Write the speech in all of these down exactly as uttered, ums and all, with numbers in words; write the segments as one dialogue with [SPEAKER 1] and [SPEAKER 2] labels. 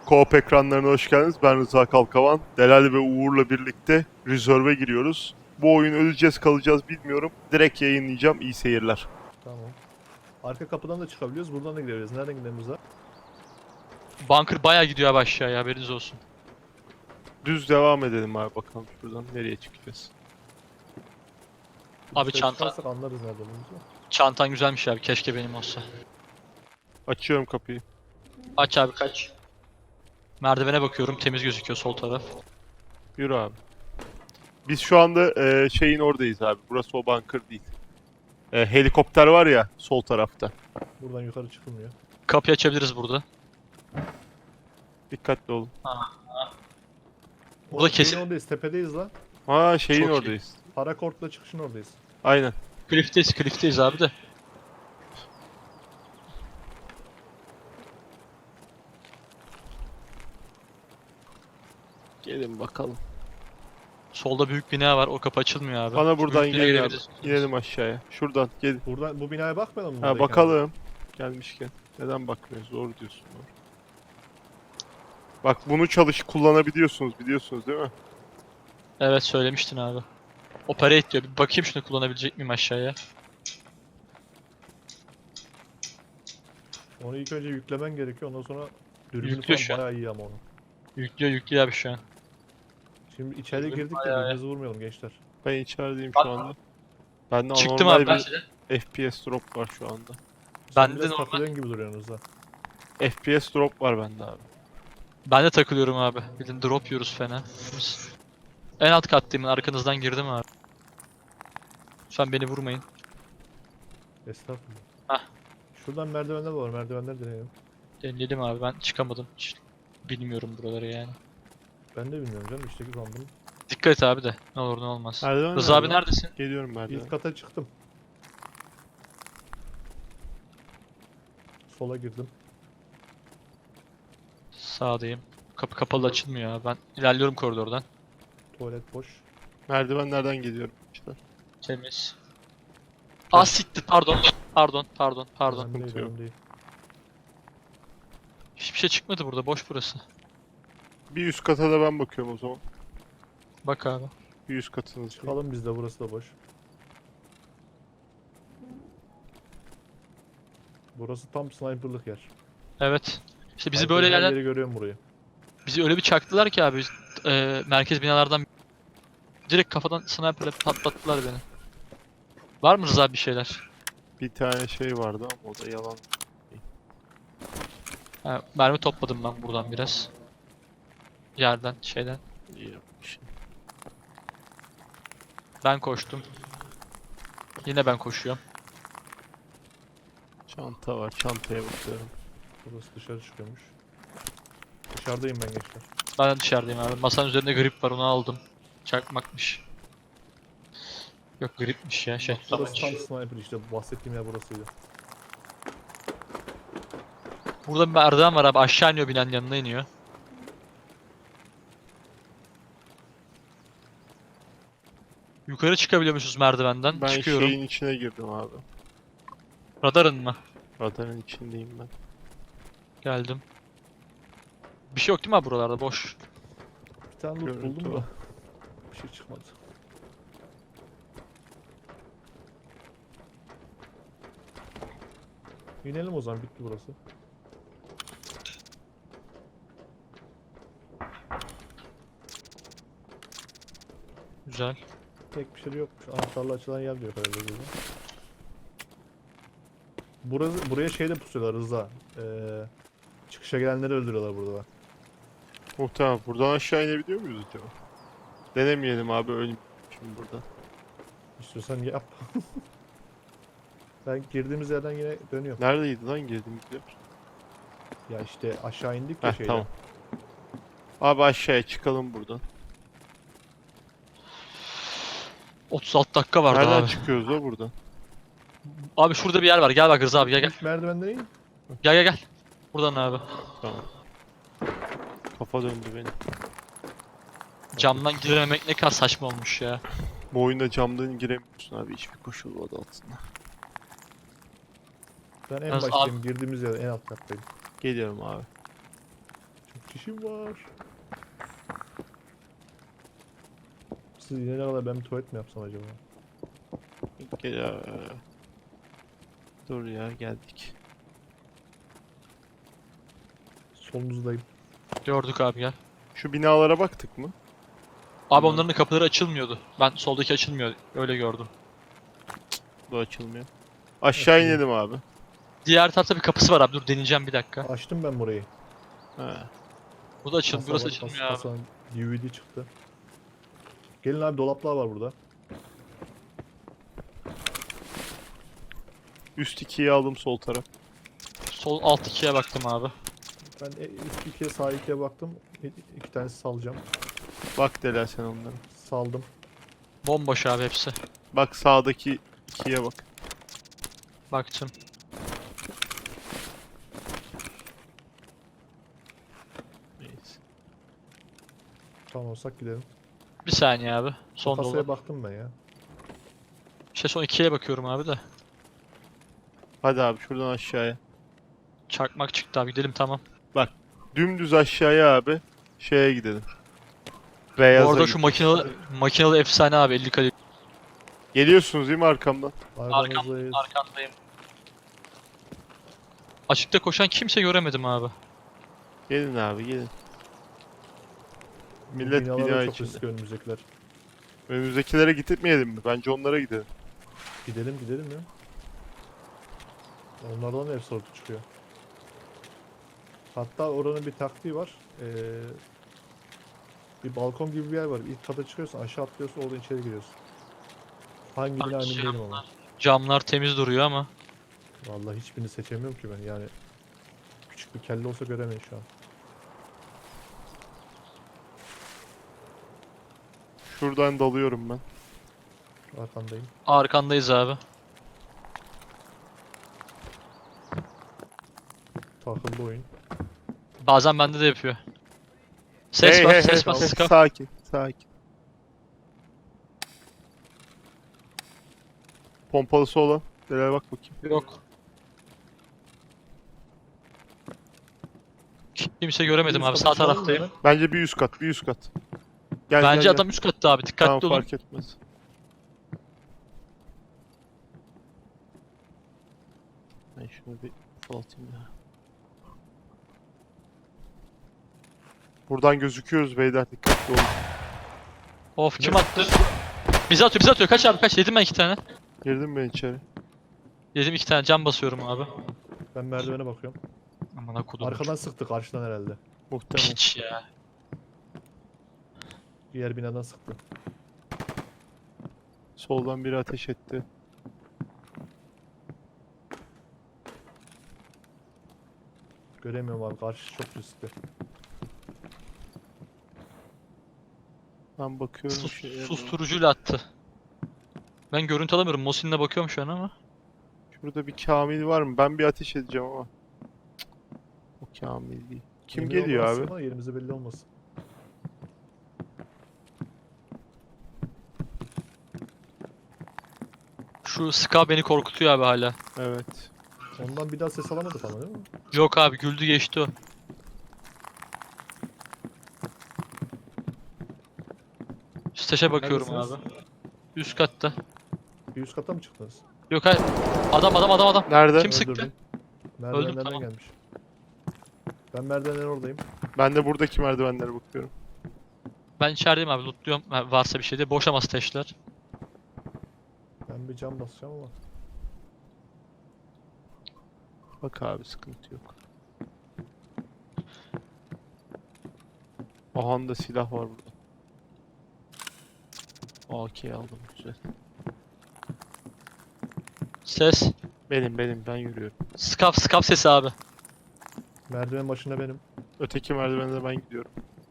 [SPEAKER 1] Co-op ekranlarına hoş geldiniz. Ben Rıza Kalkavan. Delal ve Uğur'la birlikte Reserve'e giriyoruz. Bu oyun öleceğiz kalacağız bilmiyorum. Direkt yayınlayacağım. İyi seyirler.
[SPEAKER 2] Tamam. Arka kapıdan da çıkabiliyoruz. Buradan da gidebiliriz. Nereden gidelim daha?
[SPEAKER 3] Bunker bayağı gidiyor abi aşağıya, haberiniz olsun.
[SPEAKER 1] Düz devam edelim abi, bakalım şuradan nereye çıkacağız.
[SPEAKER 3] Abi
[SPEAKER 2] Dışarı
[SPEAKER 3] çanta,
[SPEAKER 2] çıkarsak anlarız nerede olduğumuzu.
[SPEAKER 3] çantan güzelmiş abi, keşke benim olsa.
[SPEAKER 1] Açıyorum kapıyı.
[SPEAKER 3] Aç abi, kaç. Merdivene bakıyorum, temiz gözüküyor sol taraf.
[SPEAKER 1] Yürü abi. Biz şu anda e, şeyin oradayız abi. Burası o bunker değil. E, helikopter var ya sol tarafta.
[SPEAKER 2] Buradan yukarı çıkılmıyor.
[SPEAKER 3] Kapıyı açabiliriz burada.
[SPEAKER 1] Dikkatli olun.
[SPEAKER 3] Burada
[SPEAKER 2] Şeyin
[SPEAKER 3] kesin
[SPEAKER 2] oradayız. Tepedeyiz lan.
[SPEAKER 1] Ha şeyin
[SPEAKER 3] Çok iyi.
[SPEAKER 1] oradayız.
[SPEAKER 2] Parakortla çıkışın oradayız.
[SPEAKER 1] Aynen.
[SPEAKER 3] cliff'teyiz, cliff'teyiz abi de.
[SPEAKER 1] Gelin bakalım.
[SPEAKER 3] Solda büyük bina var, o kapı açılmıyor abi.
[SPEAKER 1] Bana
[SPEAKER 3] Şu
[SPEAKER 1] buradan
[SPEAKER 3] büyük binaya
[SPEAKER 1] gelin abi.
[SPEAKER 3] girebiliriz.
[SPEAKER 1] İnelim aşağıya. Şuradan gelin.
[SPEAKER 2] Buradan bu binaya bakmayalım mı?
[SPEAKER 1] Ha
[SPEAKER 2] buradayken?
[SPEAKER 1] bakalım. Gelmişken. Neden bakmıyoruz? Doğru diyorsun. Doğru. Bak bunu çalış kullanabiliyorsunuz biliyorsunuz değil mi?
[SPEAKER 3] Evet, söylemiştin abi. Operate diyor, bir bakayım şunu kullanabilecek miyim aşağıya.
[SPEAKER 2] Onu ilk önce yüklemen gerekiyor. Ondan sonra dürbünü
[SPEAKER 3] Yüklüyor şu
[SPEAKER 2] falan
[SPEAKER 3] an.
[SPEAKER 2] bayağı iyi ama onu.
[SPEAKER 3] Yüklüyor yüklüyor abi şu an.
[SPEAKER 2] Şimdi içeri
[SPEAKER 3] Dürbün
[SPEAKER 2] girdik de
[SPEAKER 3] bayağı iyi.
[SPEAKER 2] birbirimizi vurmayalım gençler.
[SPEAKER 1] Ben içerideyim
[SPEAKER 3] Bak-
[SPEAKER 1] şu anda. Bende
[SPEAKER 3] Çıktım
[SPEAKER 1] anormal
[SPEAKER 3] abi ben.
[SPEAKER 1] bir F P S drop var şu anda.
[SPEAKER 2] Sen
[SPEAKER 3] Bende de
[SPEAKER 2] biraz
[SPEAKER 3] normal.
[SPEAKER 2] takılıyorsun gibi duruyorsunuz ha.
[SPEAKER 1] F P S drop var bende abi.
[SPEAKER 3] Ben de takılıyorum abi. Bilin drop yiyoruz fena. Biz- En alt kattayım, arkanızdan girdim abi. Lütfen beni vurmayın.
[SPEAKER 2] Estağfurullah.
[SPEAKER 3] Hah.
[SPEAKER 2] Şuradan merdivenler var. Merdivenler deneyelim.
[SPEAKER 3] Denedim abi, ben çıkamadım. Hiç bilmiyorum buraları yani.
[SPEAKER 2] Ben de bilmiyorum canım. İşteki sandım.
[SPEAKER 3] Dikkat et abi de. Ne olur ne olmaz.
[SPEAKER 1] Merdiven
[SPEAKER 3] Rıza abi
[SPEAKER 1] nerede?
[SPEAKER 3] neredesin?
[SPEAKER 1] Geliyorum merdiven.
[SPEAKER 2] İlk kata çıktım. Sola girdim.
[SPEAKER 3] Sağdayım. Kapı kapalı, açılmıyor abi. Ben ilerliyorum koridordan.
[SPEAKER 2] Tuvalet boş.
[SPEAKER 1] Merdivenlerden geliyorum işte.
[SPEAKER 3] Temiz. Aa siktir, pardon. Pardon, pardon, pardon.
[SPEAKER 2] Önemli değil,
[SPEAKER 1] Sıkıntı yok.
[SPEAKER 2] önemli değil.
[SPEAKER 3] Hiçbir şey çıkmadı burada, boş burası.
[SPEAKER 1] Bir üst kata da ben bakıyorum o zaman.
[SPEAKER 3] Bak abi.
[SPEAKER 1] Bir üst katınız.
[SPEAKER 2] Çıkalım biz de, burası da boş. Burası tam sniperlık yer.
[SPEAKER 3] Evet. İşte bizi
[SPEAKER 2] Haritada
[SPEAKER 3] böyle
[SPEAKER 2] her
[SPEAKER 3] yerden,
[SPEAKER 2] yeri görüyorum burayı.
[SPEAKER 3] bizi öyle bir çaktılar ki abi. E, merkez binalardan direkt kafadan sniperle patlattılar beni. Var mı Rıza abi bir şeyler?
[SPEAKER 1] Bir tane şey vardı ama o da yalan.
[SPEAKER 3] Ha, mermi topladım ben buradan biraz. Yerden, şeyden.
[SPEAKER 1] İyi yapmış.
[SPEAKER 3] Ben koştum. Yine ben koşuyorum.
[SPEAKER 1] Çanta var. Çantaya bakıyorum.
[SPEAKER 2] Burası dışarı çıkıyormuş. Dışarıdayım ben gençler.
[SPEAKER 3] Ben de dışarıdayım abi. Masanın üzerinde grip var, onu aldım. Çakmakmış. Yok, gripmiş ya, şey.
[SPEAKER 2] Burası tam
[SPEAKER 3] tabanca.
[SPEAKER 2] sniper işte, bu bahsettiğim yer burasıydı.
[SPEAKER 3] Burada bir merdiven var abi, aşağı iniyor, binanın yanına iniyor. Yukarı çıkabiliyormuşuz merdivenden.
[SPEAKER 1] Ben
[SPEAKER 3] Çıkıyorum.
[SPEAKER 1] şeyin içine girdim abi.
[SPEAKER 3] Radarın mı?
[SPEAKER 1] Radarın içindeyim ben.
[SPEAKER 3] Geldim. Bir şey yok değil mi abi buralarda? Boş.
[SPEAKER 2] Bir tane loot
[SPEAKER 1] Görüntü
[SPEAKER 2] buldum
[SPEAKER 1] var.
[SPEAKER 2] da bir şey çıkmadı. İnelim o zaman, bitti burası.
[SPEAKER 3] Güzel.
[SPEAKER 2] Tek bir şey de yokmuş. Anahtarla açılan yer diyor herhalde burada. Burası, buraya şey de pusuyorlar Rıza. Ee, çıkışa gelenleri öldürüyorlar burada bak.
[SPEAKER 1] Muhtemelen buradan aşağı inebiliyor muyuz acaba? Denemeyelim abi, ölüm şimdi burada.
[SPEAKER 2] İstiyorsan yap. Ben girdiğimiz yerden yine dönüyorum.
[SPEAKER 1] Neredeydi lan girdiğimiz yer?
[SPEAKER 2] Ya işte aşağı indik ya
[SPEAKER 1] Heh,
[SPEAKER 2] şeyden.
[SPEAKER 1] tamam. Abi aşağıya çıkalım buradan.
[SPEAKER 3] otuz altı dakika vardı
[SPEAKER 1] Nereden
[SPEAKER 3] abi.
[SPEAKER 1] çıkıyoruz da buradan?
[SPEAKER 3] Abi şurada bir yer var. Gel bak Rıza abi, gel gel.
[SPEAKER 2] İlk merdivenden in.
[SPEAKER 3] Gel gel gel. Buradan abi.
[SPEAKER 1] Tamam. Kafa döndü benim.
[SPEAKER 3] Camdan girememek ne kadar saçma olmuş ya.
[SPEAKER 1] Bu oyunda camdan giremiyorsun abi hiçbir koşul adı altında.
[SPEAKER 2] Ben en
[SPEAKER 3] Yalnız
[SPEAKER 2] baştayım. Girdiğimiz yerden en alt kattayım.
[SPEAKER 1] Geliyorum abi.
[SPEAKER 2] Çok İşim var. Siz yine kadar ben bir tuvalet mi yapsam acaba?
[SPEAKER 1] Gel. Dur ya geldik.
[SPEAKER 2] Solunuzdayım.
[SPEAKER 3] Gördük abi gel.
[SPEAKER 1] Şu binalara baktık mı?
[SPEAKER 3] Abi
[SPEAKER 1] Hı.
[SPEAKER 3] onların da kapıları açılmıyordu. Ben soldaki açılmıyor. Öyle gördüm.
[SPEAKER 1] Bu açılmıyor. Aşağı
[SPEAKER 2] Açılıyor.
[SPEAKER 1] inelim abi.
[SPEAKER 3] Diğer tarafta bir kapısı var abi. Dur deneyeceğim bir dakika.
[SPEAKER 2] Açtım ben burayı.
[SPEAKER 1] Ha.
[SPEAKER 3] Bu da açıl,
[SPEAKER 2] Kasa
[SPEAKER 3] burası
[SPEAKER 2] var,
[SPEAKER 3] açılmıyor
[SPEAKER 2] kasa-
[SPEAKER 3] abi.
[SPEAKER 2] kasanın D V D çıktı. Gelin abi, dolaplar var burada.
[SPEAKER 1] Üst ikiyi aldım sol taraf.
[SPEAKER 3] Sol alt ikiye baktım abi.
[SPEAKER 2] Ben e- üst ikiye sağ ikiye baktım. İ- İki tanesi salacağım.
[SPEAKER 1] Bak Delal sen onlara.
[SPEAKER 2] Saldım.
[SPEAKER 3] Bomboş abi hepsi.
[SPEAKER 1] Bak sağdaki ikiye bak.
[SPEAKER 3] Baktım.
[SPEAKER 1] Neyse.
[SPEAKER 2] Tamam olsak gidelim.
[SPEAKER 3] Bir saniye abi. Son
[SPEAKER 2] Kasaya
[SPEAKER 3] dolu.
[SPEAKER 2] baktım ben ya.
[SPEAKER 3] İşte son ikiye bakıyorum abi de.
[SPEAKER 1] Hadi abi şuradan aşağıya.
[SPEAKER 3] Çakmak çıktı abi gidelim tamam.
[SPEAKER 1] Dümdüz aşağıya abi. Şeye gidelim. Beyaza
[SPEAKER 3] Bu arada
[SPEAKER 1] git-
[SPEAKER 3] şu makinalı, makinalı efsane abi elli kalibre.
[SPEAKER 1] Geliyorsunuz değil mi arkamdan?
[SPEAKER 2] Arkamızdayız.
[SPEAKER 3] Arkandayım. Açıkta koşan kimse göremedim abi.
[SPEAKER 1] Gelin abi gelin.
[SPEAKER 2] Bu
[SPEAKER 1] Millet
[SPEAKER 2] binalar da
[SPEAKER 1] bina
[SPEAKER 2] çok
[SPEAKER 1] içinde.
[SPEAKER 2] riskli önümüzdekiler.
[SPEAKER 1] Önümüzdekilere gitmeyelim mi? Bence onlara gidelim.
[SPEAKER 2] Gidelim gidelim ya. Onlardan da hep sortu çıkıyor. Hatta oranın bir taktiği var. Ee, bir balkon gibi bir yer var. İlk kata çıkıyorsun, aşağı atlıyorsun, oradan içeri giriyorsun. Hangi bina emin değilim ama.
[SPEAKER 3] Camlar temiz duruyor ama.
[SPEAKER 2] Vallahi hiçbirini seçemiyorum ki ben yani. Küçük bir kelle olsa göremeyin şu an.
[SPEAKER 1] Şuradan dalıyorum ben.
[SPEAKER 2] Arkandayım.
[SPEAKER 3] Arkandayız abi.
[SPEAKER 2] Takıldı oyun.
[SPEAKER 3] Bazen bende de yapıyor. Ses
[SPEAKER 1] Hey,
[SPEAKER 3] var,
[SPEAKER 1] hey,
[SPEAKER 3] ses
[SPEAKER 1] hey,
[SPEAKER 3] var,
[SPEAKER 1] hey,
[SPEAKER 3] sıkar.
[SPEAKER 1] Sakin, sakin. Pompalısı olan. Delal bak bakayım.
[SPEAKER 3] Yok. Kimse göremedim
[SPEAKER 2] Üst
[SPEAKER 3] abi, sağ
[SPEAKER 2] kata çıkalım mı
[SPEAKER 3] taraftayım.
[SPEAKER 2] hemen?
[SPEAKER 1] Bence bir üst kat, bir üst kat. Gel,
[SPEAKER 3] Bence
[SPEAKER 1] gel,
[SPEAKER 3] adam üst katta abi,
[SPEAKER 1] gel.
[SPEAKER 3] dikkatli
[SPEAKER 1] Tamam
[SPEAKER 3] olun.
[SPEAKER 1] fark etmez. Ben şunu bir ufaltayım ya. Buradan gözüküyoruz beyler, dikkatli olun.
[SPEAKER 3] Of kim attı? Bizi atıyor, bizi atıyor. Kaç abi kaç? Yedim ben iki tane.
[SPEAKER 1] Girdim ben içeri.
[SPEAKER 3] Yedim iki tane, cam basıyorum abi.
[SPEAKER 2] Ben merdivene bakıyorum.
[SPEAKER 3] Aman akudum.
[SPEAKER 2] Arkadan sıktı, karşıdan herhalde.
[SPEAKER 1] Muhtemelen.
[SPEAKER 3] Piç ya.
[SPEAKER 2] Diğer binadan sıktı.
[SPEAKER 1] Soldan biri ateş etti.
[SPEAKER 2] Göremiyorum abi, karşı çok riskli.
[SPEAKER 1] Ben bakıyorum
[SPEAKER 3] Sus,
[SPEAKER 1] şeye.
[SPEAKER 3] susturucuyla attı. Ben görüntü alamıyorum. Mosin'le bakıyorum şu an ama.
[SPEAKER 1] Şurada bir Kamil var mı? Ben bir ateş edeceğim ama. Cık, o Kamil değil. Kim
[SPEAKER 2] Emin
[SPEAKER 1] geliyor
[SPEAKER 2] olmazsın
[SPEAKER 1] abi?
[SPEAKER 2] ama yerimizi belli olmasın.
[SPEAKER 3] Şu Ska beni korkutuyor abi hala.
[SPEAKER 1] Evet.
[SPEAKER 2] Ondan bir daha ses alamadık ama değil mi?
[SPEAKER 3] Yok abi, güldü geçti o. Steşe bakıyorum
[SPEAKER 2] Neredesiniz?
[SPEAKER 3] abi. Üst katta.
[SPEAKER 2] Bir üst kata mı çıktınız?
[SPEAKER 3] Yok hayır. Adam adam adam adam.
[SPEAKER 1] Nerede?
[SPEAKER 3] Kim sıktı?
[SPEAKER 2] Öldürdüm. Merdivenlerden
[SPEAKER 3] tamam.
[SPEAKER 2] gelmiş. Ben merdivenlerin oradayım.
[SPEAKER 1] Ben de buradaki merdivenlere bakıyorum.
[SPEAKER 3] Ben içerideyim abi, lootluyorum. Ha, varsa bir şey de. Boş ama steşler.
[SPEAKER 2] Ben bir cam basacağım ama.
[SPEAKER 1] Bak abi sıkıntı yok. Aha da silah var burada. A K aldım güzel.
[SPEAKER 3] Ses.
[SPEAKER 1] Benim benim ben yürüyorum.
[SPEAKER 3] Skaf skaf sesi abi.
[SPEAKER 2] Merdiven başında benim.
[SPEAKER 1] Öteki merdivende ben gidiyorum.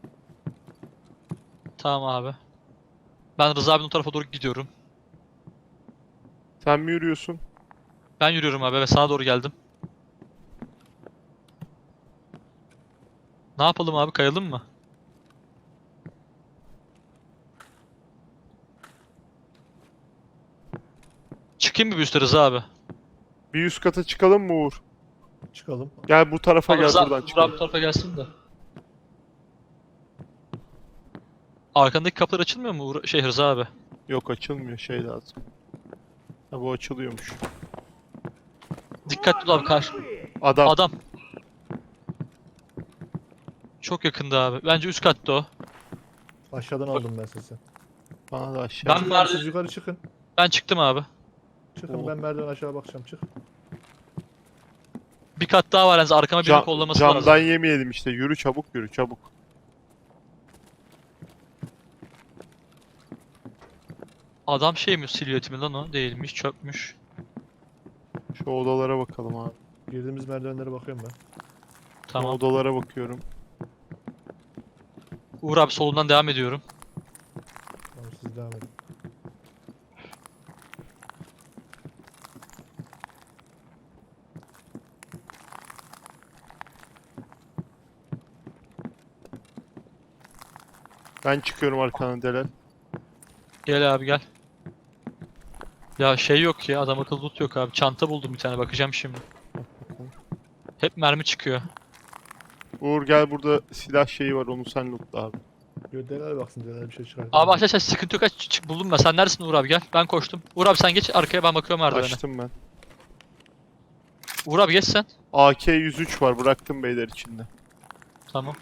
[SPEAKER 3] Tamam abi. Ben Rıza abinin o tarafa doğru gidiyorum.
[SPEAKER 1] Sen mi yürüyorsun?
[SPEAKER 3] Ben yürüyorum abi ve sana doğru geldim. Ne yapalım abi, kayalım mı? Çıkayım mı bir üstte Rıza abi?
[SPEAKER 1] Bir üst kata çıkalım mı Uğur?
[SPEAKER 2] Çıkalım.
[SPEAKER 1] Gel bu tarafa
[SPEAKER 3] Abi
[SPEAKER 1] gel
[SPEAKER 3] Rıza,
[SPEAKER 1] buradan
[SPEAKER 3] Rıza abi
[SPEAKER 1] çıkalım.
[SPEAKER 3] bu tarafa gelsin de. Arkandaki kapılar açılmıyor mu Uğur- şey Rıza abi?
[SPEAKER 1] Yok açılmıyor, şey lazım. Ha, bu açılıyormuş.
[SPEAKER 3] Dikkatli ol abi karşı.
[SPEAKER 1] Adam.
[SPEAKER 3] Adam. Çok yakında abi. Bence üst katta o.
[SPEAKER 2] Aşağıdan aldım ben sesi.
[SPEAKER 1] Bana da aşağı.
[SPEAKER 3] Ben
[SPEAKER 2] Çıkın,
[SPEAKER 3] merdiven-
[SPEAKER 2] siz yukarı çıkın.
[SPEAKER 3] Ben çıktım abi.
[SPEAKER 2] Çıkın
[SPEAKER 1] Oo.
[SPEAKER 2] ben merdiven aşağı bakacağım çık.
[SPEAKER 3] Bir kat daha var yalnız arkama birinin
[SPEAKER 1] Cam-
[SPEAKER 3] kollaması
[SPEAKER 1] camdan
[SPEAKER 3] lazım.
[SPEAKER 1] yemeyelim işte. Yürü çabuk, yürü çabuk.
[SPEAKER 3] Adam şey mi silüeti mi lan o? Değilmiş, çökmüş.
[SPEAKER 1] Şu odalara bakalım abi.
[SPEAKER 2] Girdiğimiz merdivenlere bakıyorum ben.
[SPEAKER 1] Şu
[SPEAKER 3] Tamam.
[SPEAKER 1] odalara bakıyorum.
[SPEAKER 3] Uğur abi solundan devam ediyorum.
[SPEAKER 2] Tamam siz devam edin.
[SPEAKER 1] Ben çıkıyorum arkadan Delal.
[SPEAKER 3] Gel abi gel. Ya şey yok ya, adam akıllı loot yok abi. Çanta buldum bir tane, bakacağım şimdi. Hep mermi çıkıyor.
[SPEAKER 1] Uğur gel, burada silah şeyi var, onu sen lootla abi.
[SPEAKER 2] Yo Delal baksın Delal bir şey çıkar.
[SPEAKER 3] Abi arkadaşlar sıkıntı yok, aç çık buldum ben. Sen neredesin Uğur abi, gel. Ben koştum. Uğur abi sen geç arkaya, ben bakıyorum merdivene.
[SPEAKER 1] Açtım ben.
[SPEAKER 3] Uğur abi geç sen.
[SPEAKER 1] A K yüz üç var, bıraktım beyler içinde.
[SPEAKER 3] Tamam.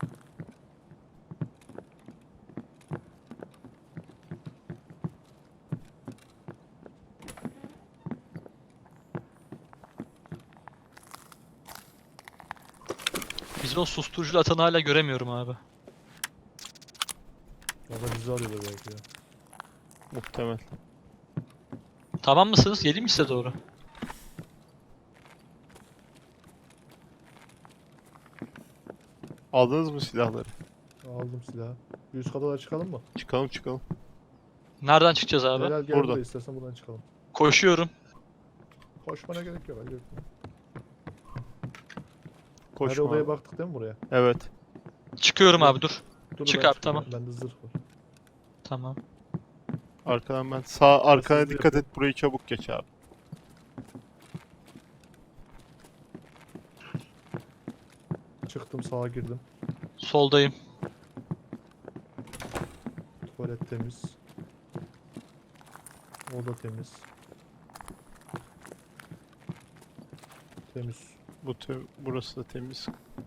[SPEAKER 3] Bizim o susturuculu atanı hala göremiyorum abi.
[SPEAKER 2] Valla bizi arıyorlar belki ya.
[SPEAKER 1] Muhtemel.
[SPEAKER 3] Tamam mısınız? Geleyim mi size doğru?
[SPEAKER 1] Aldınız mı silahları?
[SPEAKER 2] Aldım silahı. Bir üst kata da çıkalım mı?
[SPEAKER 1] Çıkalım çıkalım.
[SPEAKER 3] Nereden çıkacağız abi?
[SPEAKER 2] Delal gel
[SPEAKER 1] Burada.
[SPEAKER 2] buraya istersen buradan çıkalım.
[SPEAKER 3] Koşuyorum.
[SPEAKER 2] Koşmana gerek yok. Hadi. Her
[SPEAKER 1] Koşma
[SPEAKER 2] odaya
[SPEAKER 1] abi.
[SPEAKER 2] baktık değil mi buraya?
[SPEAKER 1] Evet.
[SPEAKER 3] Çıkıyorum abi dur.
[SPEAKER 2] Dur,
[SPEAKER 3] Çık
[SPEAKER 2] ben
[SPEAKER 3] abi,
[SPEAKER 2] çıkıyorum.
[SPEAKER 3] tamam.
[SPEAKER 2] Bende zırh var.
[SPEAKER 3] Tamam.
[SPEAKER 1] Arkadan ben. Sağ arkana
[SPEAKER 2] hızlı
[SPEAKER 1] dikkat et, burayı çabuk geç abi.
[SPEAKER 2] Çıktım sağa girdim.
[SPEAKER 3] Soldayım.
[SPEAKER 2] Tuvalet temiz. Oda temiz. Temiz.
[SPEAKER 1] Bu te- burası da temiz.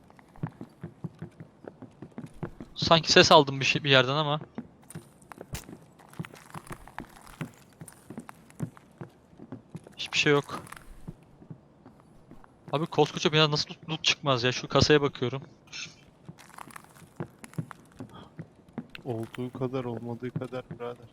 [SPEAKER 3] Sanki ses aldım bir şey bir yerden ama. Hiçbir şey yok. Abi koskoca bina nasıl loot, loot çıkmaz ya? Şu kasaya bakıyorum.
[SPEAKER 1] Olduğu kadar olmadığı kadar birader.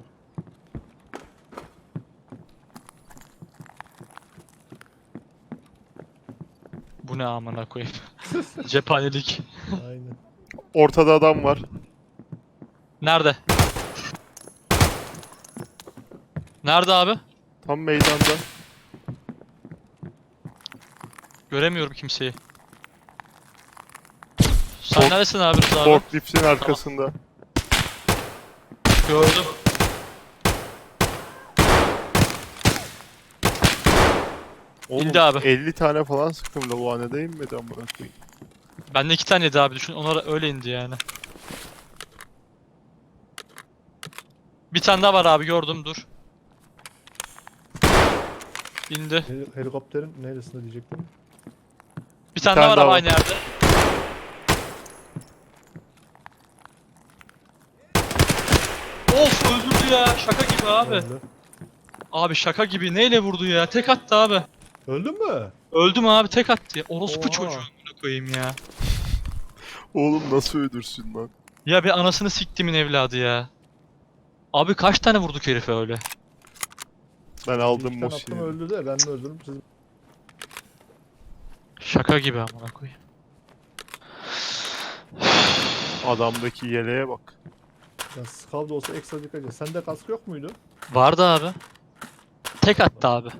[SPEAKER 3] Bu ne amına koyayım. Cephanelik.
[SPEAKER 2] Aynen.
[SPEAKER 1] Ortada adam var.
[SPEAKER 3] Nerede? Nerede abi?
[SPEAKER 1] Tam meydanda.
[SPEAKER 3] Göremiyorum kimseyi. Sen
[SPEAKER 1] Fork-
[SPEAKER 3] neredesin abi Rıza abi?
[SPEAKER 1] Forkliftin arkasında.
[SPEAKER 3] Gördüm.
[SPEAKER 1] Oğlum
[SPEAKER 3] İndi abi.
[SPEAKER 1] elli tane falan sıktım lavuğa, neden inmedi amına koyayım.
[SPEAKER 3] Bende iki taneydi abi, düşün. Onlar öyle indi yani. Bir tane daha var abi, gördüm, dur. İndi.
[SPEAKER 2] Hel- helikopterin neresinde diyecektim.
[SPEAKER 3] Bir tane,
[SPEAKER 1] tane
[SPEAKER 3] daha var
[SPEAKER 1] daha
[SPEAKER 3] abi
[SPEAKER 1] var.
[SPEAKER 3] aynı yerde. Of, öldürdü ya. Şaka gibi abi.
[SPEAKER 2] Öldü.
[SPEAKER 3] Abi şaka gibi. Neyle vurdu ya? Tek attı abi.
[SPEAKER 2] Öldün mü?
[SPEAKER 3] Öldüm abi, tek attı ya. Orospu
[SPEAKER 2] Oha.
[SPEAKER 3] çocuğu amına koyayım ya.
[SPEAKER 1] Oğlum nasıl öldürsün lan?
[SPEAKER 3] Ya bir anasını siktimin evladı ya. Abi kaç tane vurduk herife öyle?
[SPEAKER 1] Ben
[SPEAKER 2] İki
[SPEAKER 1] aldım
[SPEAKER 2] tane attım
[SPEAKER 1] Mosi'yi.
[SPEAKER 2] öldü de ben de öldürdüm siz.
[SPEAKER 3] Şaka gibi amına koyayım.
[SPEAKER 1] Adamdaki yeleğe bak.
[SPEAKER 2] Ya skav da olsa ekstra dikkat edin. Sende kask yok muydu?
[SPEAKER 3] Vardı abi. Tek attı abi.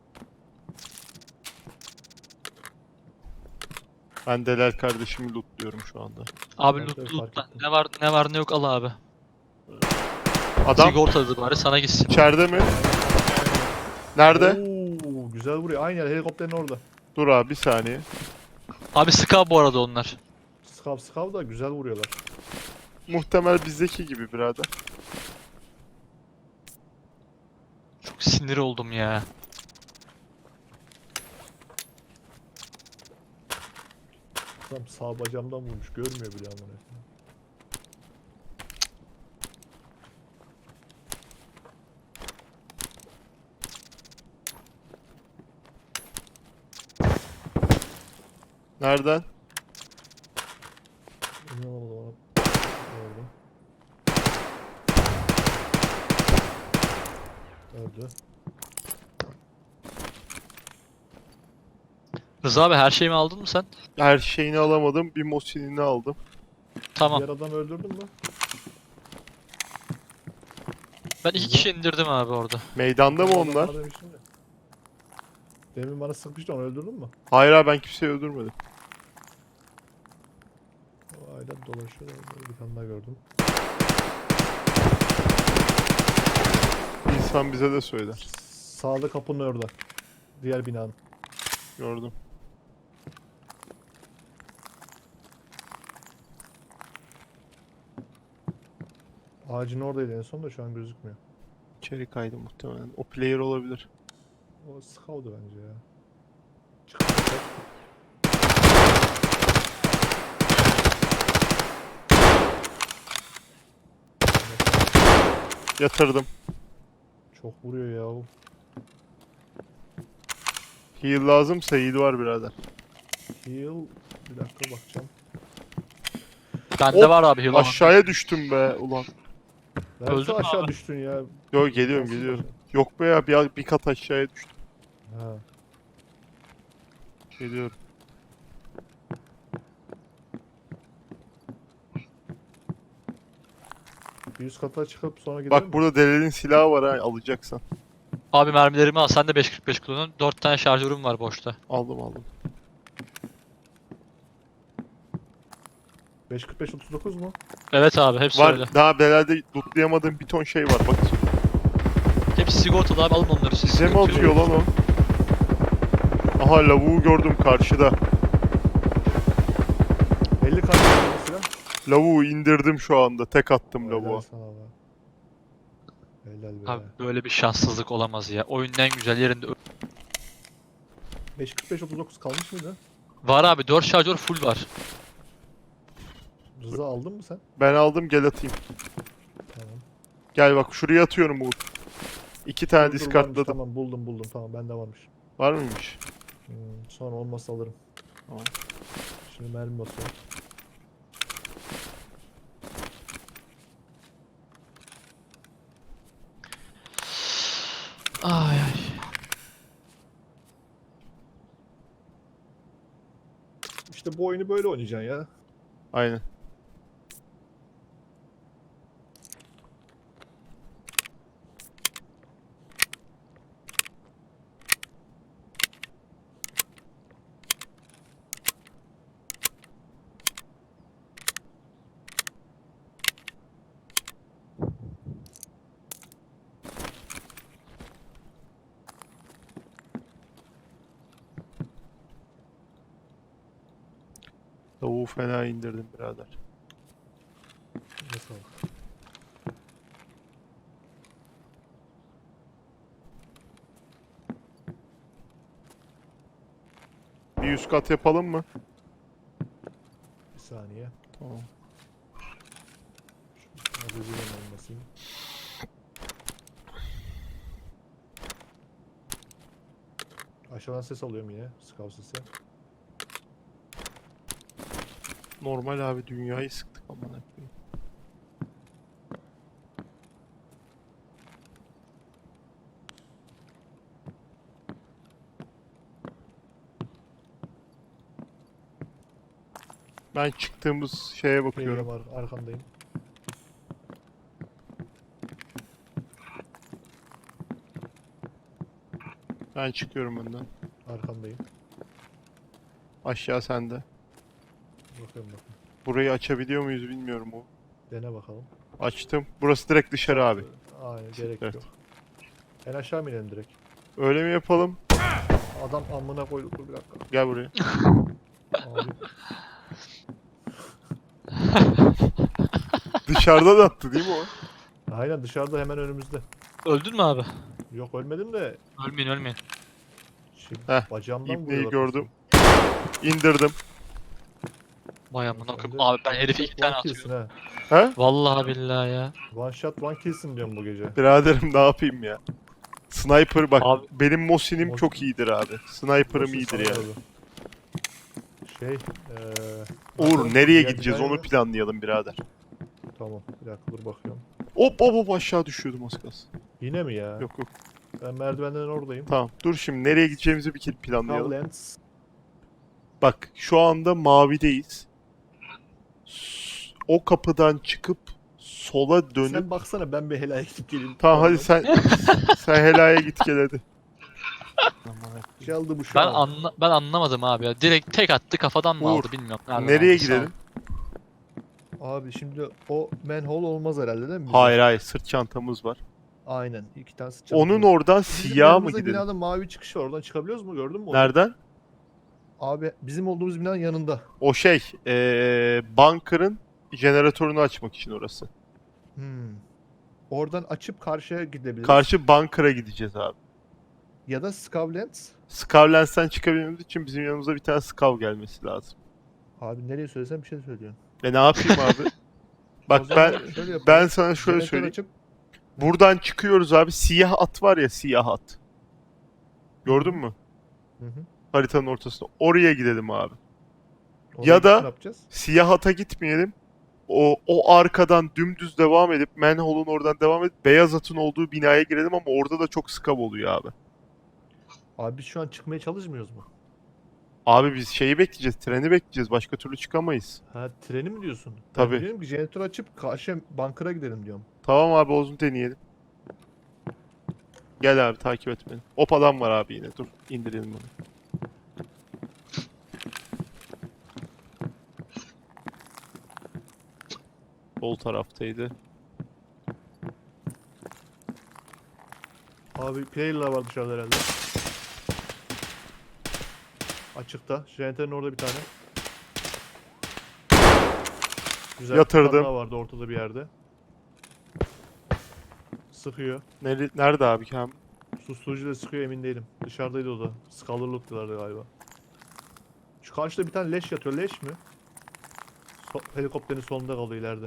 [SPEAKER 1] Ben Delal kardeşimi lootluyorum şu anda.
[SPEAKER 3] Abi
[SPEAKER 2] Ben de
[SPEAKER 3] loot
[SPEAKER 2] fark
[SPEAKER 3] loot lan.
[SPEAKER 2] ettim.
[SPEAKER 3] Ne var ne var ne yok al abi.
[SPEAKER 1] Adam
[SPEAKER 3] Sigortalı bari sana gitsin.
[SPEAKER 1] içeride mi? Nerede?
[SPEAKER 2] Oo, güzel vuruyor. Aynı yer helikopterin orada.
[SPEAKER 1] Dur abi bir saniye.
[SPEAKER 3] Abi Ska bu arada onlar.
[SPEAKER 2] Skav skav da güzel vuruyorlar.
[SPEAKER 1] Muhtemel bizdeki gibi birader.
[SPEAKER 3] Çok sinir oldum ya.
[SPEAKER 2] Adam sağ bacağımdan vurmuş. Görmüyor bile amına.
[SPEAKER 1] Nereden?
[SPEAKER 2] Emin olamadım ona. Gördüm. Öldü.
[SPEAKER 3] Rıza abi her şeyimi aldın mı sen?
[SPEAKER 1] Her şeyini alamadım. Bir Mosin'ini aldım.
[SPEAKER 3] Tamam.
[SPEAKER 2] Diğer adamı öldürdün mü?
[SPEAKER 3] Ben iki kişi indirdim abi orada.
[SPEAKER 1] Meydanda mı
[SPEAKER 2] Adam
[SPEAKER 1] onlar?
[SPEAKER 2] bana demiştin de. Demin bana sıkmıştı, onu öldürdün mü?
[SPEAKER 1] Hayır abi, ben kimseyi öldürmedim.
[SPEAKER 2] O ayda dolaşıyor. Böyle bir tane daha gördüm.
[SPEAKER 1] İnsan bize de söyler.
[SPEAKER 2] Sağda kapının orada. Diğer binanın.
[SPEAKER 1] Gördüm.
[SPEAKER 2] Ağacın oradaydı en son da şu an gözükmüyor.
[SPEAKER 1] İçeri kaydı muhtemelen. O player olabilir.
[SPEAKER 2] O scout'u bence ya. Çıkacak.
[SPEAKER 1] Yatırdım.
[SPEAKER 2] Çok vuruyor ya o.
[SPEAKER 1] Heal lazımsa heal var birader.
[SPEAKER 2] Heal. Bir dakika bakacağım.
[SPEAKER 3] Bende
[SPEAKER 1] Hop,
[SPEAKER 3] var abi heal.
[SPEAKER 1] Aşağıya düştüm be ulan.
[SPEAKER 2] Nerede
[SPEAKER 3] Öldün mü
[SPEAKER 2] aşağı
[SPEAKER 3] abi?
[SPEAKER 2] düştün ya?
[SPEAKER 1] Yo, geliyorum
[SPEAKER 2] Nasıl
[SPEAKER 1] geliyorum.
[SPEAKER 2] aşağı?
[SPEAKER 1] Yok be ya, bir, bir kat aşağıya düştüm.
[SPEAKER 2] Ha.
[SPEAKER 1] Geliyorum.
[SPEAKER 2] Bir üst kata çıkıp sonra gidelim
[SPEAKER 1] Bak
[SPEAKER 2] mi?
[SPEAKER 1] burada Delel'in silahı var ha, alacaksan.
[SPEAKER 3] Abi mermilerimi al. Sen de beş kırk beş kullanın. dört tane şarjörüm var boşta.
[SPEAKER 1] Aldım aldım.
[SPEAKER 2] beş kırk beş otuz dokuz mu?
[SPEAKER 3] Evet abi hepsi
[SPEAKER 1] Var,
[SPEAKER 3] öyle.
[SPEAKER 1] daha Delel'de lootlayamadığım bir ton şey var bak.
[SPEAKER 3] Hepsi sigortalı abi, alın onları siz.
[SPEAKER 1] Size mi
[SPEAKER 3] Sıkıntı yok.
[SPEAKER 1] atıyor lan o? Aha, lavuğu gördüm karşıda.
[SPEAKER 2] elli karşı mesela.
[SPEAKER 1] Lavuğu indirdim şu anda. Tek attım
[SPEAKER 2] Helal
[SPEAKER 1] lavuğa.
[SPEAKER 2] sana be. Helal be.
[SPEAKER 3] Abi böyle bir şanssızlık olamaz ya. Oyunun en güzel yerinde. ö-
[SPEAKER 2] beş kırk beş otuz dokuz kalmış mıydı?
[SPEAKER 3] Var abi, dört şarjör full var.
[SPEAKER 2] Rıza aldın mı sen?
[SPEAKER 1] Ben aldım, gel atayım.
[SPEAKER 2] Tamam.
[SPEAKER 1] Gel bak, şuraya atıyorum Uğur. İki tane
[SPEAKER 2] Dur, dur, varmış,
[SPEAKER 1] diskartladım.
[SPEAKER 2] tamam buldum buldum tamam bende varmış.
[SPEAKER 1] Var mıymış?
[SPEAKER 2] Hmm, sonra olmazsa alırım.
[SPEAKER 1] Tamam.
[SPEAKER 2] Şimdi mermi basıyorum.
[SPEAKER 3] Ay ay.
[SPEAKER 2] İşte bu oyunu böyle oynayacaksın ya.
[SPEAKER 1] Aynen. Lavuğu fena indirdim birader.
[SPEAKER 2] Nasıl?
[SPEAKER 1] Bir üst kat yapalım mı?
[SPEAKER 2] Bir saniye.
[SPEAKER 1] Tamam.
[SPEAKER 2] Hadi bir hemen basayım. Aşağıdan ses alıyorum yine. Scout sesi.
[SPEAKER 1] Normal abi, dünyayı sıktık amına koyayım. Ben çıktığımız şeye bakıyorum.
[SPEAKER 2] Var, arkandayım.
[SPEAKER 1] Ben çıkıyorum önden.
[SPEAKER 2] Arkandayım.
[SPEAKER 1] Aşağı sende.
[SPEAKER 2] Bakıyorum bakın.
[SPEAKER 1] Burayı açabiliyor muyuz bilmiyorum o.
[SPEAKER 2] Dene bakalım.
[SPEAKER 1] Açtım. Burası direkt dışarı abi.
[SPEAKER 2] Aynen gerek
[SPEAKER 1] Evet.
[SPEAKER 2] yok. En aşağı mı inelim direkt?
[SPEAKER 1] Öyle mi yapalım?
[SPEAKER 2] Adam amına koydu, dur bir dakika.
[SPEAKER 1] Gel buraya.
[SPEAKER 2] Abi.
[SPEAKER 1] Dışarıdan attı değil mi o?
[SPEAKER 2] Aynen dışarıda hemen önümüzde.
[SPEAKER 3] Öldün mü abi?
[SPEAKER 2] Yok ölmedim de
[SPEAKER 3] Ölmeyin ölmeyin.
[SPEAKER 2] şimdi
[SPEAKER 1] Heh,
[SPEAKER 2] bacağımdan
[SPEAKER 1] İbneyi
[SPEAKER 2] vuruyorlar
[SPEAKER 1] gördüm.
[SPEAKER 2] kesin.
[SPEAKER 1] İndirdim.
[SPEAKER 3] Vay amına
[SPEAKER 2] Sen
[SPEAKER 3] koyayım.
[SPEAKER 2] de
[SPEAKER 3] Abi ben
[SPEAKER 2] one
[SPEAKER 3] herife
[SPEAKER 2] shot,
[SPEAKER 3] iki tane
[SPEAKER 2] one kill'sin
[SPEAKER 3] atıyorum.
[SPEAKER 2] ha.
[SPEAKER 1] He?
[SPEAKER 3] Vallahi billahi ya.
[SPEAKER 2] One shot one kill'sin diyorum bu gece.
[SPEAKER 1] Biraderim ne yapayım ya? Sniper bak
[SPEAKER 3] Abi-
[SPEAKER 1] benim Mosin'im
[SPEAKER 2] Mosin-
[SPEAKER 1] çok iyidir abi. Sniper'ım
[SPEAKER 2] Mosin
[SPEAKER 1] iyidir
[SPEAKER 2] sana
[SPEAKER 1] yani.
[SPEAKER 2] vurdu. Şey eee...
[SPEAKER 1] Uğur
[SPEAKER 2] bakalım,
[SPEAKER 1] nereye
[SPEAKER 2] diğer
[SPEAKER 1] gideceğiz
[SPEAKER 2] binaya
[SPEAKER 1] onu
[SPEAKER 2] mı?
[SPEAKER 1] planlayalım birader.
[SPEAKER 2] Tamam bir dakika dur bakıyorum.
[SPEAKER 1] Hop hop hop aşağı düşüyordum az kalsın.
[SPEAKER 2] Yine mi ya?
[SPEAKER 1] Yok yok.
[SPEAKER 2] Ben merdivenlerin oradayım.
[SPEAKER 1] Tamam dur şimdi nereye gideceğimizi bir kere planlayalım.
[SPEAKER 2] Kavlens.
[SPEAKER 1] Bak şu anda mavideyiz. S- O kapıdan çıkıp sola dönüp...
[SPEAKER 2] Sen baksana ben bir helaya gidip geleyim.
[SPEAKER 1] Tamam hadi sen sen helaya git gel hadi.
[SPEAKER 2] Çaldı bu şu
[SPEAKER 3] Ben
[SPEAKER 2] an.
[SPEAKER 3] anla ben anlamadım abi ya. Direkt tek attı kafadan mı
[SPEAKER 1] Uğur,
[SPEAKER 3] aldı bilmiyorum. Nereden
[SPEAKER 1] Nereye
[SPEAKER 3] aldı, sağ ol.
[SPEAKER 1] gidelim?
[SPEAKER 2] Abi şimdi o manhole olmaz herhalde değil mi? bize?
[SPEAKER 1] Hayır hayır sırt çantamız var.
[SPEAKER 2] Aynen. iki tane sıçan.
[SPEAKER 1] Onun oradan
[SPEAKER 2] Bizim
[SPEAKER 1] siyah mı
[SPEAKER 2] yanımızda
[SPEAKER 1] gidelim?
[SPEAKER 2] binada mavi çıkış var. Oradan çıkabiliyoruz mu? Gördün mü onu?
[SPEAKER 1] Nereden?
[SPEAKER 2] Abi bizim olduğumuz binanın yanında.
[SPEAKER 1] O şey ee, bunker'ın jeneratörünü açmak için orası.
[SPEAKER 2] Hmm. Oradan açıp karşıya gidebiliriz.
[SPEAKER 1] Karşı bunker'a gideceğiz abi.
[SPEAKER 2] Ya da Skavlens.
[SPEAKER 1] Skavlens'ten çıkabilmemiz için bizim yanımıza bir tane Skav gelmesi lazım.
[SPEAKER 2] Abi nereye söylesem bir şey söylüyorsun.
[SPEAKER 1] E ne yapayım abi?
[SPEAKER 2] O
[SPEAKER 1] Bak
[SPEAKER 2] zaman
[SPEAKER 1] ben
[SPEAKER 2] şöyle yapalım.
[SPEAKER 1] ben sana şöyle
[SPEAKER 2] Jeneratör
[SPEAKER 1] söyleyeyim.
[SPEAKER 2] açıp
[SPEAKER 1] Buradan çıkıyoruz abi. Siyah at var ya siyah at. Gördün mü?
[SPEAKER 2] Hı hı.
[SPEAKER 1] Haritanın ortasında. Oraya gidelim abi.
[SPEAKER 2] Oraya
[SPEAKER 1] Ya
[SPEAKER 2] gidip
[SPEAKER 1] da-
[SPEAKER 2] ne yapacağız?
[SPEAKER 1] Siyah ata gitmeyelim. O, o arkadan dümdüz devam edip manhole'un oradan devam edip beyaz atın olduğu binaya girelim ama orada da çok skav oluyor abi.
[SPEAKER 2] Abi biz şu an çıkmaya çalışmıyoruz mu?
[SPEAKER 1] Abi biz şeyi bekleyeceğiz. Treni bekleyeceğiz. Başka türlü çıkamayız.
[SPEAKER 2] Ha treni mi diyorsun?
[SPEAKER 1] Tabii.
[SPEAKER 2] Ben diyorum ki jeneratör açıp karşıya bankara gidelim diyorum.
[SPEAKER 1] Tamam abi o zaman deneyelim. Gel abi takip et beni. Hop adam var abi yine. Dur indirelim bunu. Sol taraftaydı.
[SPEAKER 2] Abi player'lar var dışarıda herhalde. Açıkta. Jeneratörün orada bir tane. Güzel.
[SPEAKER 1] Yatırdım.
[SPEAKER 2] Bir tane daha vardı ortada bir yerde. Sıkıyor.
[SPEAKER 1] Nere- Nerede abi Kamil?
[SPEAKER 2] Susturucu da sıkıyor emin değilim. Dışarıdaydı o da. Scholarlık diyorlardı galiba. Şu karşıda bir tane leş yatıyor. Leş mi? So- helikopterin solunda kalıyor ileride.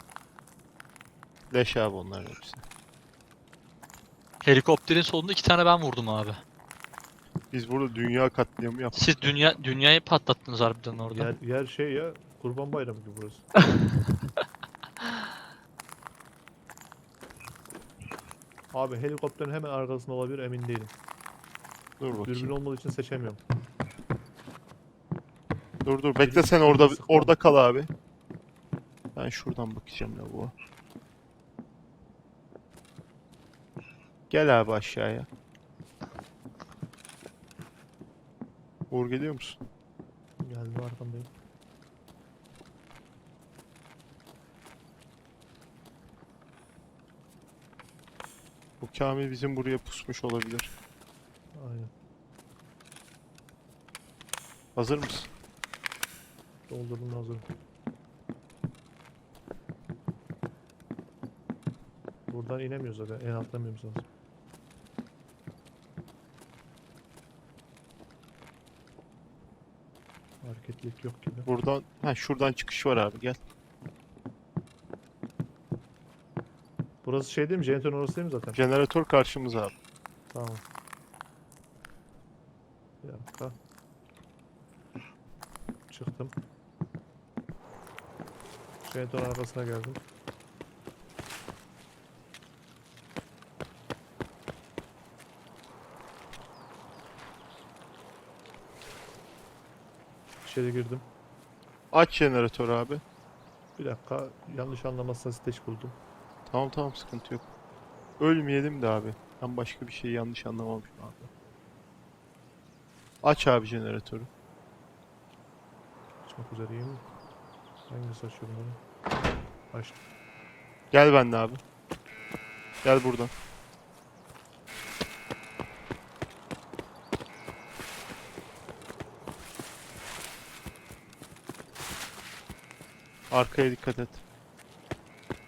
[SPEAKER 1] Leş abi onlar hepsi.
[SPEAKER 3] Helikopterin solunda iki tane ben vurdum abi.
[SPEAKER 1] Biz burada dünya katliamı yaptık.
[SPEAKER 3] Siz dünya dünyayı patlattınız harbiden orada.
[SPEAKER 2] Yer, yer şey ya. Kurban Bayramı gibi burası. Abi helikopterin hemen arkasında olabilir emin değilim.
[SPEAKER 1] Dur bakayım.
[SPEAKER 2] Dürbün olmadığı için seçemiyorum.
[SPEAKER 1] Dur dur bekle
[SPEAKER 2] Biri-
[SPEAKER 1] sen
[SPEAKER 2] biri
[SPEAKER 1] orada
[SPEAKER 2] sıkma.
[SPEAKER 1] orada kal abi. Ben şuradan bakacağım ya bu. Gel abi aşağıya. Uğur geliyor musun?
[SPEAKER 2] Geldim arkamdayım.
[SPEAKER 1] Bu Kamil bizim buraya pusmuş olabilir.
[SPEAKER 2] Aynen.
[SPEAKER 1] Hazır mısın?
[SPEAKER 2] Doldurdum hazırım. Buradan inemiyoruz zaten. En atlamıyoruz lazım. Hareketlilik yok gibi.
[SPEAKER 1] Buradan, ha şuradan çıkış var abi gel.
[SPEAKER 2] Burası şey değil mi? Jeneratörün orası değil mi zaten?
[SPEAKER 1] Jeneratör karşımız abi.
[SPEAKER 2] Tamam. Bir dakika. Çıktım. Jeneratörün arkasına geldim. İçeri girdim.
[SPEAKER 1] Aç jeneratörü abi.
[SPEAKER 2] Bir dakika. Yanlış anlamazsan siteç buldum.
[SPEAKER 1] Tamam tamam sıkıntı yok. Ölmeyelim de abi. Ben başka bir şeyi yanlış anlamamışım abi. Aç abi jeneratörü.
[SPEAKER 2] Açmak üzereyim. Hangisi açıyorum bunu? Açtım.
[SPEAKER 1] Gel benimle abi. Gel buradan. Arkaya dikkat et.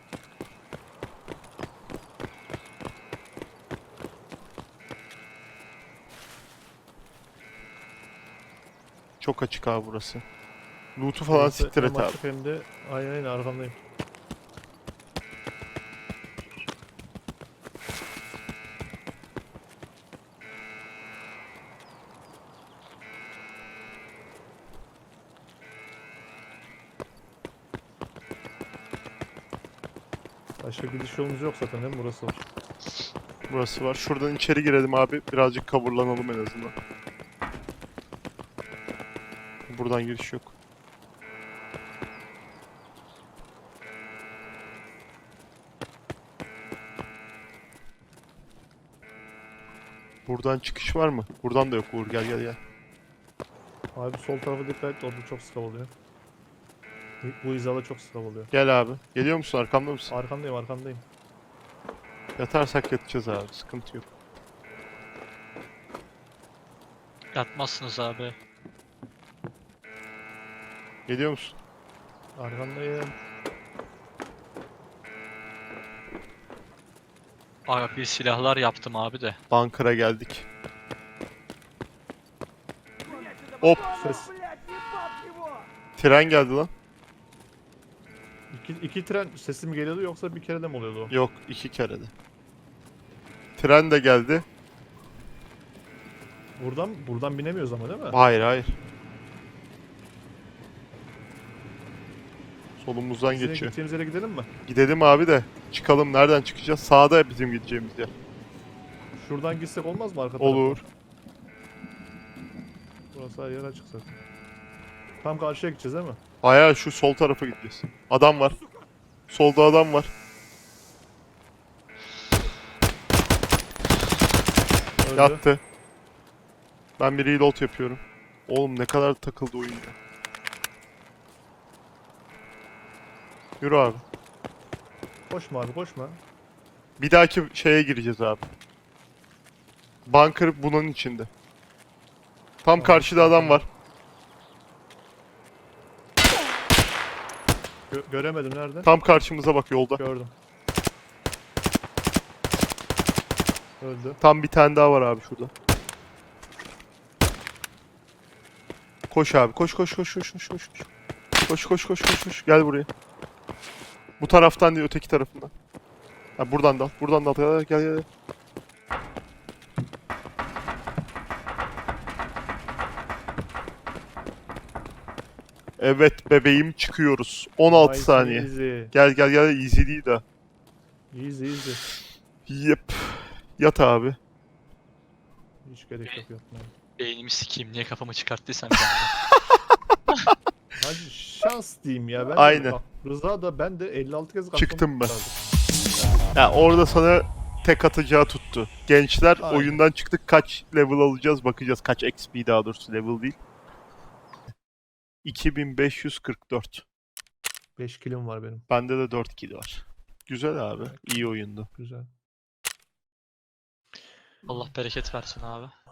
[SPEAKER 1] çok açık abi burası. Loot'u falan
[SPEAKER 2] Burası
[SPEAKER 1] siktir
[SPEAKER 2] hem
[SPEAKER 1] et abi.
[SPEAKER 2] açık hem de aynen aynen arkandayım. Başka gidiş yolumuz yok zaten değil mi? Burası var.
[SPEAKER 1] Burası var. Şuradan içeri girelim abi. Birazcık coverlanalım en azından. Buradan giriş yok. Buradan çıkış var mı? Buradan da yok Uğur. Gel gel gel.
[SPEAKER 2] Abi sol tarafa dikkat et, orada çok sıkav oluyor. Bu- Bu hizada çok sıkav oluyor.
[SPEAKER 1] Gel abi. Geliyor musun? Arkamda mısın?
[SPEAKER 2] Arkandayım arkandayım.
[SPEAKER 1] Yatarsak yatacağız abi. Sıkıntı yok.
[SPEAKER 3] Yatmazsınız abi.
[SPEAKER 1] Geliyor musun?
[SPEAKER 2] Arkandayım.
[SPEAKER 3] Abi bir silahlar yaptım abi de.
[SPEAKER 1] Bunker'a geldik. Hop.
[SPEAKER 2] Ses.
[SPEAKER 1] Tren geldi lan.
[SPEAKER 2] İki, iki tren sesi mi geliyordu yoksa bir kere de mi oluyordu o?
[SPEAKER 1] Yok. iki kere de. Tren de geldi.
[SPEAKER 2] Buradan buradan binemiyoruz ama değil mi?
[SPEAKER 1] Hayır hayır. Solumuzdan
[SPEAKER 2] Bizim
[SPEAKER 1] geçiyor.
[SPEAKER 2] gideceğimiz yere gidelim mi?
[SPEAKER 1] Gidelim abi de. Çıkalım. Nereden çıkacağız? Sağda bizim gideceğimiz yer.
[SPEAKER 2] Şuradan gitsek olmaz mı arka
[SPEAKER 1] Olur.
[SPEAKER 2] tarafa? Burası her yer açık zaten. Tam karşıya gideceğiz değil mi?
[SPEAKER 1] Hayır şu sol tarafa gideceğiz. Adam var. Solda adam var.
[SPEAKER 2] Öldü.
[SPEAKER 1] Yattı. Ben bir reload yapıyorum. Oğlum ne kadar takıldı oyun ya. Yürü abi.
[SPEAKER 2] Koşma abi koşma.
[SPEAKER 1] Bir dahaki şeye gireceğiz abi. Bunker bunun içinde. Tam
[SPEAKER 2] Tamam,
[SPEAKER 1] karşıda adam var.
[SPEAKER 2] Gö- göremedim nerede?
[SPEAKER 1] Tam karşımıza bak yolda.
[SPEAKER 2] Gördüm. Öldü.
[SPEAKER 1] Tam bir tane daha var abi şurada. Koş abi. Koş koş koş koş koş koş. Koş koş koş koş koş. Gel buraya. Bu taraftan değil öteki tarafından. Ha buradan da al. Buradan da al. Gel gel gel. Evet bebeğim çıkıyoruz. on altı
[SPEAKER 2] Nice,
[SPEAKER 1] saniye.
[SPEAKER 2] Easy.
[SPEAKER 1] Gel gel gel easy değil de.
[SPEAKER 2] Easy easy.
[SPEAKER 1] Yep. Yat abi.
[SPEAKER 2] Hiç gerek yok yapmaya.
[SPEAKER 3] Beynimi sikeyim. Niye kafamı çıkarttıysam bir anda.
[SPEAKER 2] Hadi şans diyeyim ya. Ben de-
[SPEAKER 1] Aynen.
[SPEAKER 2] bak, Rıza da ben de elli altı kez
[SPEAKER 1] Çıktım ben.
[SPEAKER 2] kurtardım.
[SPEAKER 1] Ya orada sana tek atacağı tuttu. Gençler
[SPEAKER 2] Aynen.
[SPEAKER 1] oyundan çıktık kaç level alacağız bakacağız. Kaç X P daha doğrusu level değil. iki bin beş yüz kırk dört.
[SPEAKER 2] beş kilim var benim.
[SPEAKER 1] Bende de dört kill var. Güzel abi. İyi oyundu.
[SPEAKER 2] Güzel.
[SPEAKER 3] Allah bereket versin abi.